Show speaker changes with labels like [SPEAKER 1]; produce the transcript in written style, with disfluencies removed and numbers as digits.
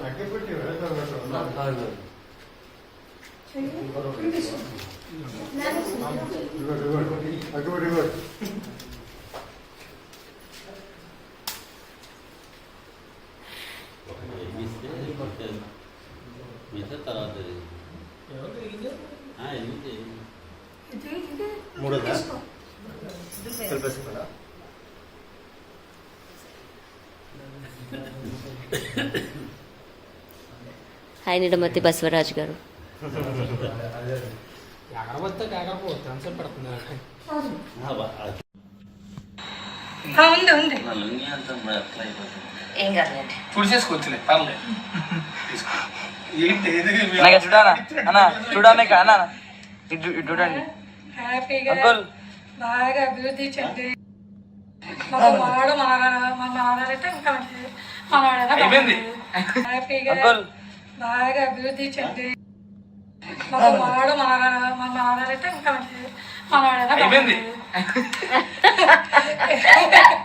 [SPEAKER 1] Hi నిడమతి Basavaraju గారు. ఏం కాదండి
[SPEAKER 2] చూడానా అన్న చూడానే అన్న ఇటు చూడండి. అంకుల్
[SPEAKER 3] బాగా అభివృద్ధి చెంది మనవాడు మనవాడంటే ఇంకా మనవాడైనా హ్యాపీగా బాగా అభివృద్ధి చెంది మనవాడు మనవాడంటే ఇంకా మనవాడైనా